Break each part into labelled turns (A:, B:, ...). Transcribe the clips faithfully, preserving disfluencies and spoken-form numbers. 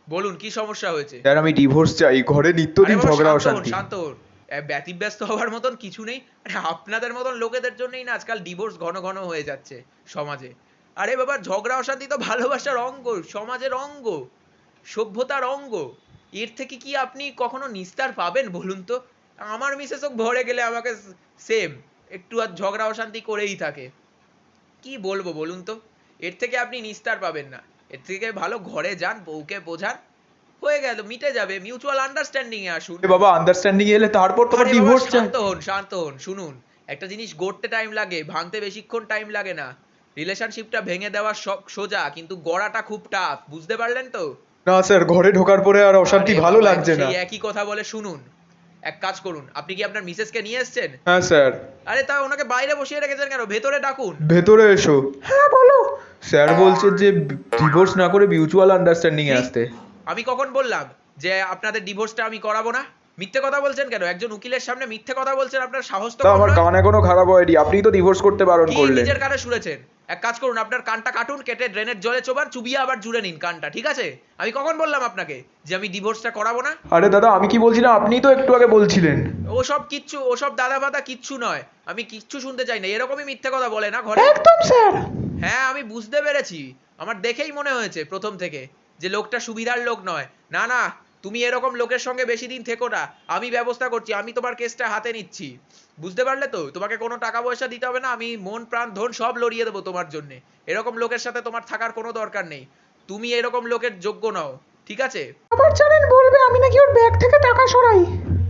A: বলুন কি সমস্যা হয়েছে?
B: স্যার আমি ডিভোর্স চাই, ঘরে
A: আরে
B: নিত্যদিন
A: বাবা
B: ঝগড়া
A: শান্ত হন,
B: অশান্তি।
A: শান্ত হন। এ, ব্যতিব্যস্ত হওয়ার মতন কিছু নেই। আরে আপনাদের মতন লোকেদের জন্যই না আজকাল ডিভোর্স ঘন ঘন হয়ে যাচ্ছে সমাজে। আরে বাবা ঝগড়া অশান্তি তো ভালোবাসার অঙ্গ, সমাজের অঙ্গ, সভ্যতার অঙ্গ। এর থেকে কি আপনি কখনো নিস্তার পাবেন বলুন তো? আমার মিসেসও ভরে গেলে আমাকে সেম একটু আর ঝগড়া অশান্তি করেই থাকে। কি বলবো বলুন তো? এর থেকে আপনি নিস্তার পাবেন না। এর থেকে ভালো ঘরে যান, বউকে বোঝান, হয়ে গেল, মিটে যাবে। মিউচুয়াল আন্ডারস্ট্যান্ডিং এ আসুন।
B: এ বাবা আন্ডারস্ট্যান্ডিং এলে তারপর তোমার
A: আরে বাবা
B: ডিভোর্স চাই।
A: শান্ত হন, শান্ত হন। শুনুন, একটা জিনিস গড়তে টাইম লাগে, ভাঙতে বেশিক্ষণ টাইম লাগে না। রিলেশনশিপটা ভেঙে দেওয়া সব সোজা, কিন্তু গড়াটা খুব টাফ। বুঝতে পারলেন তো?
B: না স্যার, ঘরে ঢোকার পরে আর অশান্তি
A: আরে
B: ভালো
A: বাবা
B: লাগছে না।
A: সেই একই কথা বলে, শুনুন, এক কাজ করুন, আপনি কি আপনার মিসেসকে নিয়ে এসেছেন?
B: হ্যাঁ স্যার।
A: আরে তা ওনাকে বাইরে বসিয়ে রেখেছেন কেন? ভেতরে ডাকুন।
B: ভেতরে এসো। হ্যাঁ বলো। স্যার বলছে যে ডিভোর্স না করে মিউচুয়াল আন্ডারস্ট্যান্ডিং এ
A: কি?
B: আসতে।
A: আমি কখন বললাম যে আপনাদের ডিভোর্সটা আমি করাবো না? মিথ্যে কথা বলছেন কেন? একজন উকিলের সামনে মিথ্যে কথা বলছেন, আপনার সাহস তো
B: তা
A: কম
B: আমার
A: নয়।
B: কান এখনো খারাপ হয়নি, আপনিই তো ডিভোর্স করতে বারণ
A: কি
B: করলেন।
A: নিজের কানে শুনেছেন? এক কাজ করুন, আপনার কানটা কাটুন, কেটে ড্রেনের জলে চোবান, চুবিয়ে আবার জুড়ে নিন কানটা, ঠিক আছে? আমি কখন বললাম আপনাকে যে আমি ডিভোর্সটা করাবো না?
B: আরে দাদা আমি কি বলছিলাম, আপনিই তো একটু আগে বলছিলেন।
A: ওসব কিচ্ছু, ওসব দাদা ফাদা কিচ্ছু নয়। আমি কিচ্ছু শুনতে চাই না। এরকমই মিথ্যে কথা বলে না ঘরে?
B: একদম স্যার।
A: হ্যাঁ আমি বুঝতে পেরেছি। আমার দেখেই মনে হয়েছে প্রথম থেকে যে লোকটা সুবিধার লোক নয়। না না, তুমি এরকম লোকের সঙ্গে বেশি দিন থেকো না। আমি ব্যবস্থা করছি, আমি তোমার কেসটা হাতে নিচ্ছি। বুঝতে পারলে তো? তোমাকে কোনো টাকা পয়সা দিতে হবে না, আমি মন প্রাণ ধন সব লড়িয়ে দেবো তোমার জন্য। এরকম লোকের সাথে তোমার থাকার কোনো দরকার নেই। তুমি এরকম লোকের যোগ্য নও, ঠিক আছে?
B: আবার জানেন বলবে আমি নাকি ওর ব্যাগ থেকে টাকা সরাই।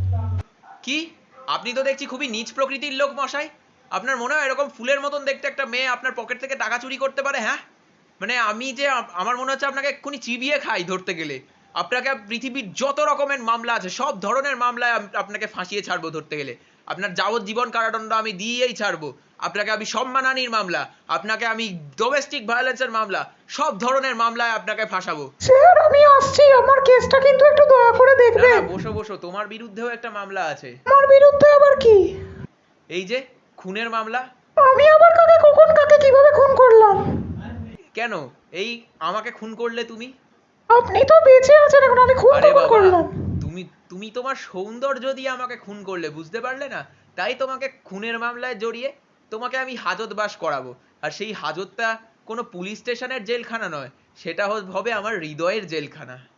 A: কি? আপনি তো দেখছি খুবই নীচ প্রকৃতির লোক মশাই। আপনার মনে হয় এরকম ফুলের মতন দেখতে একটা মেয়ে আপনার পকেট থেকে টাকা চুরি করতে পারে? হ্যাঁ, মানে আমি যে আপ- আমার মনে হচ্ছে আপনাকে এক্ষুনি চিবিয়ে খাই ধরতে গেলে। আপনাকে পৃথিবীর যত রকমের মামলা আছে সব ধরনের মামলায় আম- আপনাকে ফাঁসিয়ে ছাড়বো ধরতে গেলে। আপনার যাবজ্জীবন কারাদণ্ড আমি দিয়েই ছাড়বো। আপনাকে আমি সম্মানহানির মামলা, আপনাকে আমি ডোমেস্টিক ভায়োলেন্সের মামলা, সব ধরনের মামলায় আপনাকে ফাঁসাবো।
B: স্যার আমি আসছি, আমার কেসটা কিন্তু একটু দয়া করে
A: না না,
B: দেখবেন।
A: বসো বসো, তোমার বিরুদ্ধেও একটা মামলা আছে।
B: আমার বিরুদ্ধে আবার কি?
A: এই যে খুনের মামলা।
B: আমি আবার কাকে কখন কাকে কিভাবে খুন করলাম?
A: কেন? এই আমাকে খুন করলে তুমি?
B: আপনি তো বেঁচে আছেন এখন, আমি খুন
A: আরে
B: কখন
A: বাবা,
B: করলাম?
A: তুমি তুমি তোমার সৌন্দর্য দিয়ে আমাকে খুন করলে, বুঝতে পারলে না? তাই তোমাকে খুনের মামলায় জড়িয়ে তোমাকে আমি হাজতবাস করাবো। আর সেই হাজতটা কোনো পুলিশ স্টেশনের জেলখানা নয়, সেটা হ- হবে আমার হৃদয়ের জেলখানা।